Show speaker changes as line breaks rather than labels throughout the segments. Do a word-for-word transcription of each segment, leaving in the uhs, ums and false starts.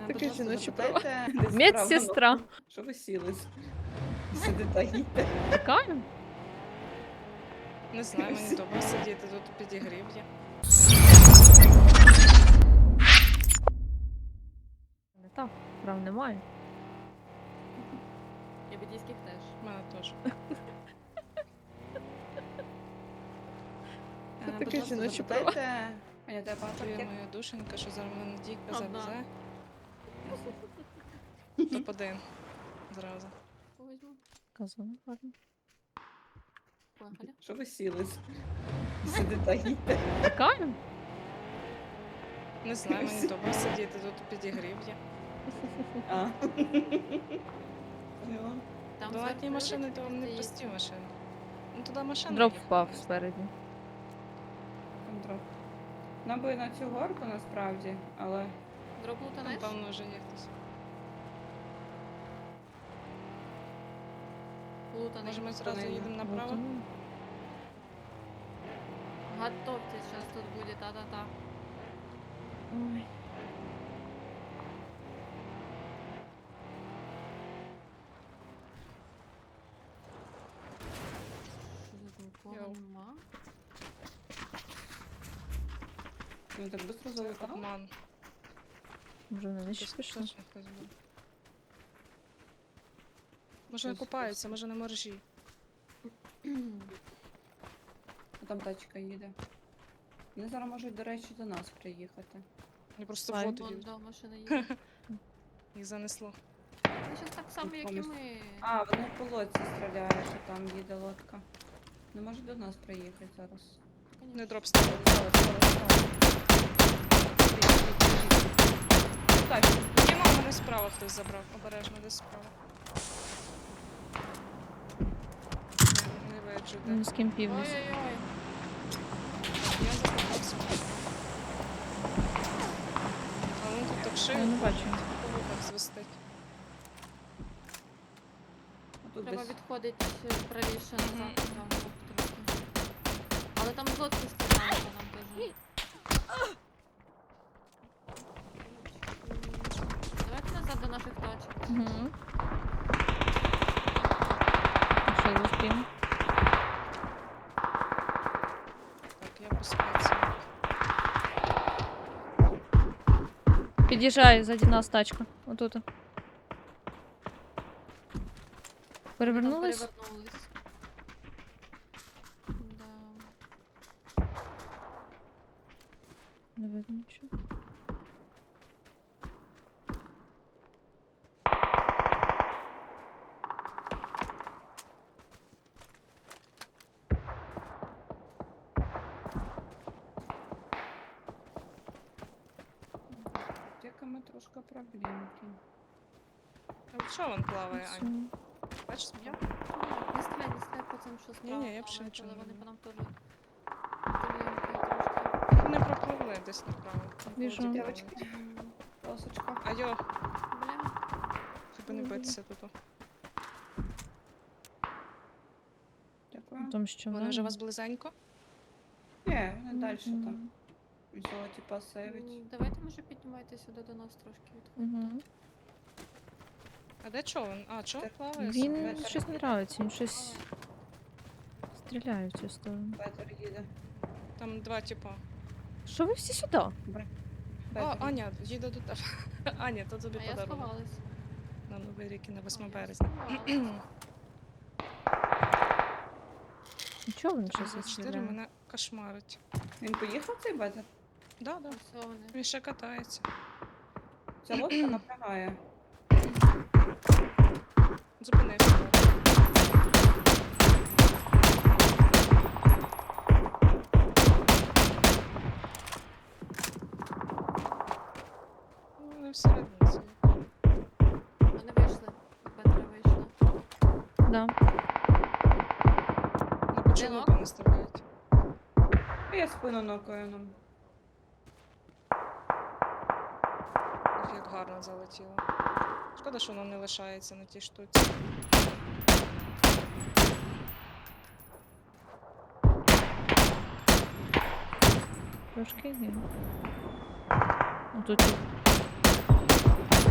таке жіноче право.
запитайте, десь
Медсестра.
справа, ну, Що ви сіли? Сидите, їдьте.
Чекаю.
Не знаю, мені добре сидіти, тут підігрів є.
Не так, прав немає.
І бідійських теж.
У мене теж.
Е,
таке
будь ласка,
жіноче
запитайте. Аня, тебе багато
Ти
пакет?
моя душенька, що зараз мене Діка
Одна.
завезе. Топ один. Зразу.
Возьму.
Казано, гарно.
Поїхали.
Що ви сіли? Сидите, їдьте.
Чекаю.
Не знаю, мені добре сидіти, тут підігрів є.
А. Поняла.
Там
Даватні
зверху
машини,
люди
то вам не
стоїть.
прості машини. Ну туди машина.
Дроп
їхала.
впав спереді.
Там дроп. Нам би на цю горку насправді, але
Дроп
Там,
лутанеш?
певно, вже є хтось.
Лутаний.
Може ми зразу
Вони-
їдемо направо?
Ну,
Готовьтесь, сейчас тут будет, та-та-та.
Ой.
Що нікого
Йоу.
нема?
він так швидко залетав.
Обман.
Може вони нижче
Хтось
пішли?
точно хтось був. Може не
Хтось-
купаються, може на моржі.
А там тачка їде. Вони зараз можуть, до речі, до нас приїхати.
Я просто
Ай.
воду
Вон,
їм.
да, машина їде.
Їх занесло.
Ну, щас так само, як і
Поміж-
ми.
А, вони по лодці стріляють, що там їде лодка. Не може до нас приїхати зараз.
Не
Конечно.
дроп ставив.
Стало, стало, стало. Біжіть, біжіть, біжіть. Тачку.
Кіно мене справа хтось забрав. Обережно десь справа. Не, не виджу, де.
Ну, з ким північ.
Ой-ой-ой.
Я закопався. А він тут так шиє.
Я не бачу.
По вухах свистить.
А тут
Треба
десь
відходити е, правіше
Мгм.
назад. Там, ну, трохи. Але там з лодки стріляють, нам теж. Давайте назад до наших тачок.
Угу. Що за спін?
Так, я по спеці.
Під'їжджає ззаді нас тачка. Отут. Перевернулись?
Перевернулись. Да.
Не видно нічого.
з аптеками трошки проблемки.
А що він плаває,
Все.
Ань? Бачиш,
Я
я?
не стріляй, не стріляй по цим, що справа.
Ні-ні, я б ще
плавають,
нічого
але
не
вони
роблю.
по нам теж стріляють трошки.
Вони пропливли десь направо. Там
Біжу.
коло
Дівочки.
дівчини.
М,
Полосочка.
А йо,
Бля.
щоб не битися тут.
Дякую.
Там що
Вони вже у вас близенько?
Ні, вони далі
Мгм.
там. Взяла типа сейвить.
М, Давайте, може, піднімайте сюди до нас трошки відходьте.
Угу.
А де човен? А, човен
Так,
плаває?
Він
Ветер.
щось не нравиться, він щось стріляє в цю сторону.
Бетер їде.
Там два типа.
Що ви всі сюди?
О,
Бетер.
Аня, їде до тебе. Аня, то тобі
А я
подарунок.
сховалась.
На Новий рік і на
А,
восьме
я
березня.
сховалась.
Нічого він щось
двадцять чотири
стріляє.
мене кошмарить.
Він поїхав цей бетер?
Да, да.
Ось вони.
Він ще катається.
Ця лодка напрягає.
Зупинився. Ну, вони всередині сидять.
Вони вийшли. Петра вийшла.
Да.
На початку
Жінок?
не стріляють.
Я спину нокою нам.
Ох, як гарно залетіло. Шкода, що воно не лишається на тій штуці.
Трошки є. Отут.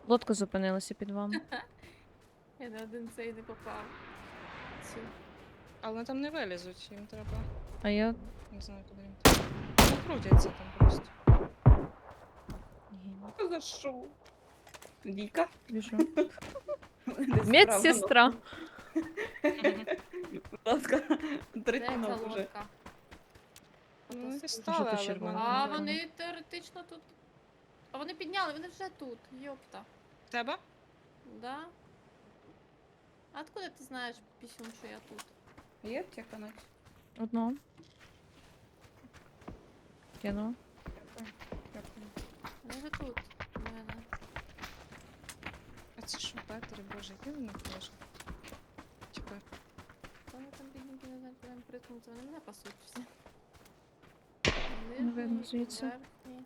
Лодка зупинилася під вами.
Я на один цей не попав. Цю.
Але вони там не вилізуть, їм треба.
А я.
Не знаю, куди їм треба. Вони крутяться там просто.
Що за шоу? Віка?
Біжу.
Десь
Медсестра.
Мгм.
Будь ласка,
Де
третій
ця
ног уже.
лодка?
Ну, вони
Фотосу-
стали,
Жовто
але в
червоно.
мене
А
не
вони теоретично тут. А вони підняли, вони вже тут. Йопта.
В тебе?
Да? А откуда ти знаєш, пісюн, що я тут?
Є аптека наче?
Одного. Кинула.
Дякую. Дякую.
Вони вже тут. У мене.
А це що, Петри, боже, який вони каже? Типа,
Та Вони там бідненькі, не знаю, куди їм приткнуться. Вони мене пасуть всі.
Не видно
Нижній,
звідси.
верхній.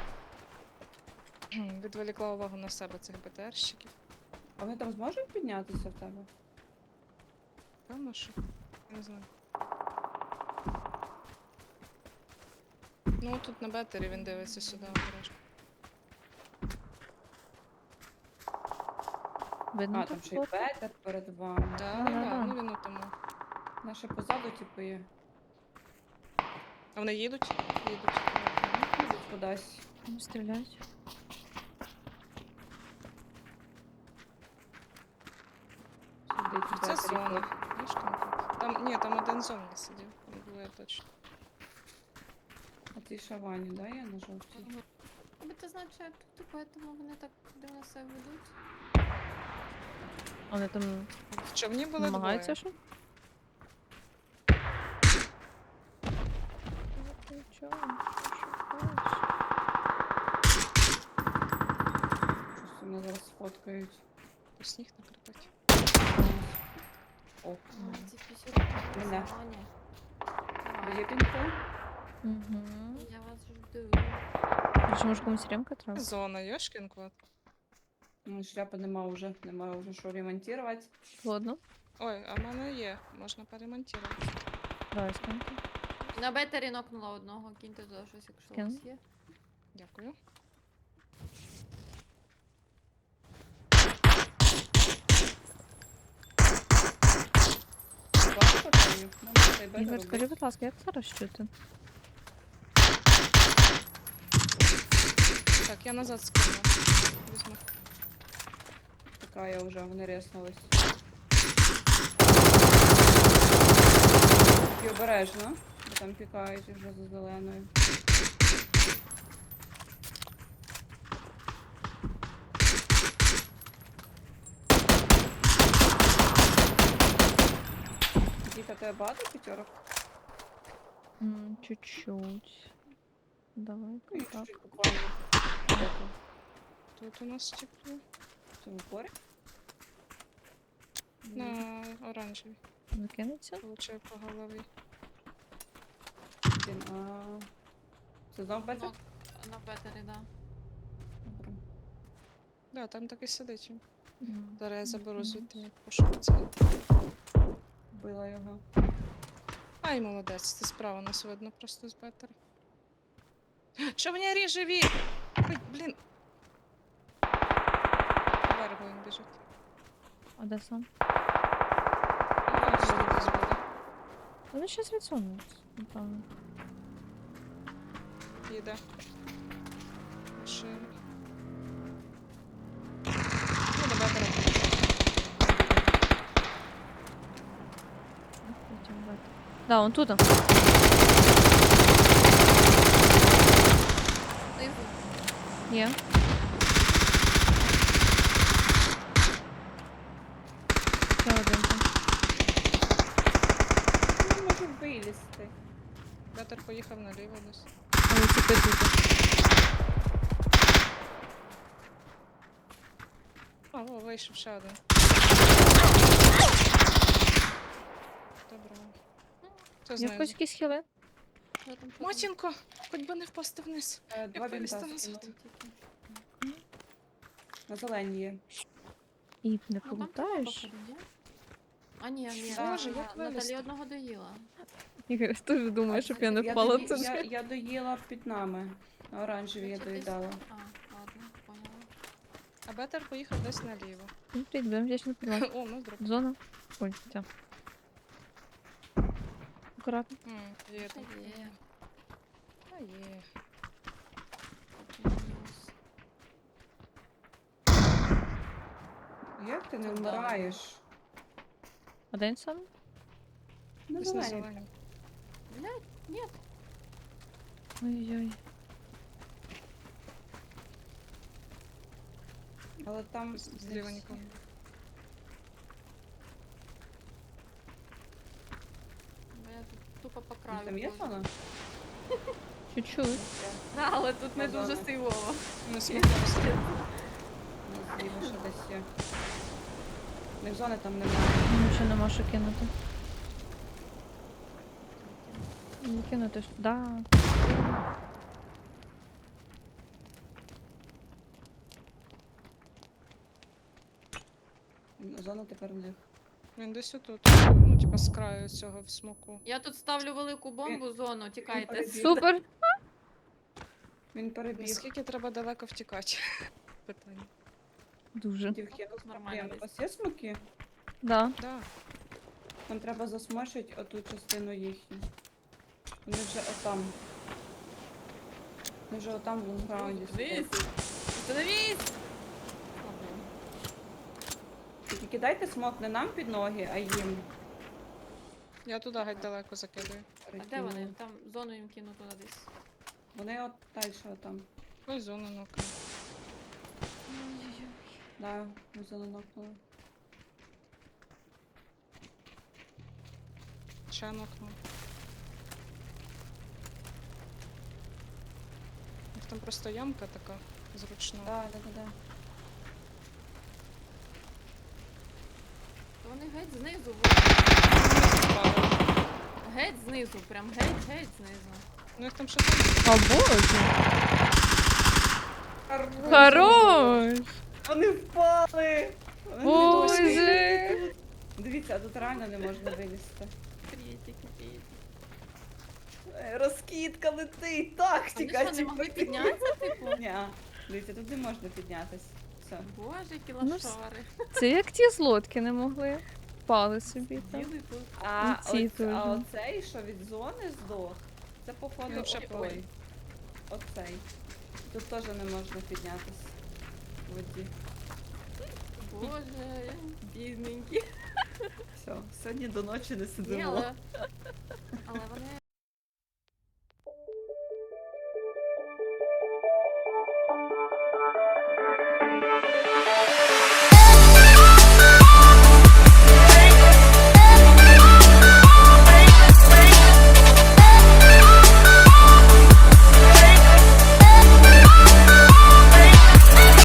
відволікла увагу на себе цих БТРщиків.
А вони там зможуть піднятися в тебе?
Певно, що. Я не знаю. Ну, тут на бетері він дивиться сюди обережно.
Видно
А, там
тут
ще й
лодку?
Петер перед вами.
Да,
Да,
да,
да,
да,
да.
ну він у тому.
Наше позаду, типу, є.
А вони їдуть? Їдуть.
Їдуть кудись.
Не стрілять.
Сидить у
Це
Петері
зона.
хтось.
Знаєш, там, там, ні, там один зомбі сидів. Там двоє точно.
А ти шавані, да, я на жовтій?
Мгм. Аби ти знаєш, що я тут, і поэтому вони так дивно себе ведуть.
Вони там
В човні були
намагаються
двоє.
що? Ну, ти чого?
Щось вони зараз сфоткають.
То сніг накрипить.
О,
Ой, ці пісюни
Мене.
погані.
є пінку?
Угу.
Я вас жду.
Чи може комусь ремка треба?
Зона, Йошкін кот.
Ну, шляпи нема вже, нема вже що ремонтувати.
Ладно.
Ой, а в мене є. Можна перемонтувати.
Давай скиньте.
На бетері нокнула одного, киньте туди щось, якщо у
Кину.
вас є.
Дякую.
Багато патронів? Нам цей бетер
Ігор, скажи,
робить.
будь ласка, як зараз чути?
Так, я назад скину. Візьму.
Така я вже, вони реснулись. І обережно, бо там пікають вже за зеленою. Діка, тебе багато п'ятерок?
М, Чуть-чуть. Давай,
Ну,
так.
чуть-чуть буквально. Де ти?
Тут у нас тепло.
В цьому порі?
На оранжевій.
Закинеться?
Получаю по голові.
Блін, а... Це знов бетер?
Нок на бетері, да.
Добре.
Да, там так і сидить. він.
М.
Зараз я заберу
Мгм.
звідти мій пошук цей.
Вбила його.
Ай, молодець, ти справа нас видно просто з бетера. Що мені ріже вік? Ой, блін. По берегу він біжить.
А де сам?
Бачиш, тут десь буде.
Вони щас відсунуться, напевно.
Їде. Машина. Ну, до бетера поїхав.
Потім бачу. Да, он тут.
Знизу.
Є. Ще один там.
Не можу вилізти.
Бетер поїхав наліво десь.
Але це ти тут.
А, о, вийшов ще один. Добре. Хто
Є в
знає?
когось якісь хіли?
Що там, що там?
Матінко, хоч би не впасти вниз.
Е, Два
вилізти
бінта
назад?
скинув. На зелені є.
І не
Ну, там
полутаєш?
походу, ні? А, ні, ні.
Боже,
а,
як
Наталі
вилізти?
одного доїла.
Ігор, теж думаю, щоб я не
Я
впала
дої-
тут.
Я, я доїла під нами. На оранжеві я
Значить, десь-
доїдала.
А, ладно, поняла.
А А Бетер поїхав десь наліво.
Ну, привіт, будемо вдячні підвал.
О, ну дроп.
Зона. Ой, ця. Акуратно.
М, Є
Та
там.
є.
А є.
Мінус.
Як ти не
Це да.
вмираєш?
А де він сам?
На
Десь на
зелені.
зелені.
Блядь, нет.
Ой-ой.
Але там
Зліва
десь-
нікого.
Бо я тут тупо по
Ну,
краю.
Там є
ходжу.
зона?
Чуть-чуть.
Да, але тут не
Зона.
дуже сивово.
Не сміхався.
Ну, зліва ще десь є. В них зони там немає.
Нічого нема що кинути. Не кинути ж. Да.
Зона тепер в них.
Він десь отут. Ну, типа з краю цього в смоку.
Я тут ставлю велику бомбу в зону, тікайте.
перебіг.
Супер!
Він перебіг.
Наскільки треба далеко втікати? Питання.
Дуже.
Дівки,
Тут нормально
Блін, у
десь.
вас є смоки?
Да.
Да.
Нам треба засмошити оту частину їхню. Вони вже отам. Вони вже отам в лонграунді
Остановись!
стоять.
Остановись! О, блін.
Тільки кидайте смок не нам під ноги, а їм.
Я туди геть далеко закидаю.
А де
Перекинули.
вони? Там зону їм кину туди десь.
Вони от далі отам.
Ось зону нука.
Да, ми занокнули.
Ще нокнув. У них там просто ямка така зручна.
Да, да, да, да.
То вони геть знизу.
Вони впали.
Геть знизу, прям геть, геть знизу.
Ну їх там ще там.
О, боже! Хорош!
Вони впали! Вони
Боже!
Дивіться, а тут реально не можна вилізти.
Кретик, кретик.
Е, Розкидка летить! Так,
А вони
тікай,
що, не могли
тікай.
піднятися, типу?
Ні, дивіться, тут не можна піднятись. Все.
Боже, які
Ну,
лошари.
Це як ті з лодки не могли. Впали собі там.
Діли тут.
А,
І ці
оц-
теж.
а оцей, що від зони здох, це походу
Він вже
отой.
плив.
Оцей. Тут теж не можна піднятись в воді.
Боже, бідненькі.
Все, сьогодні до ночі не
Ні,
сидимо.
але... Але вони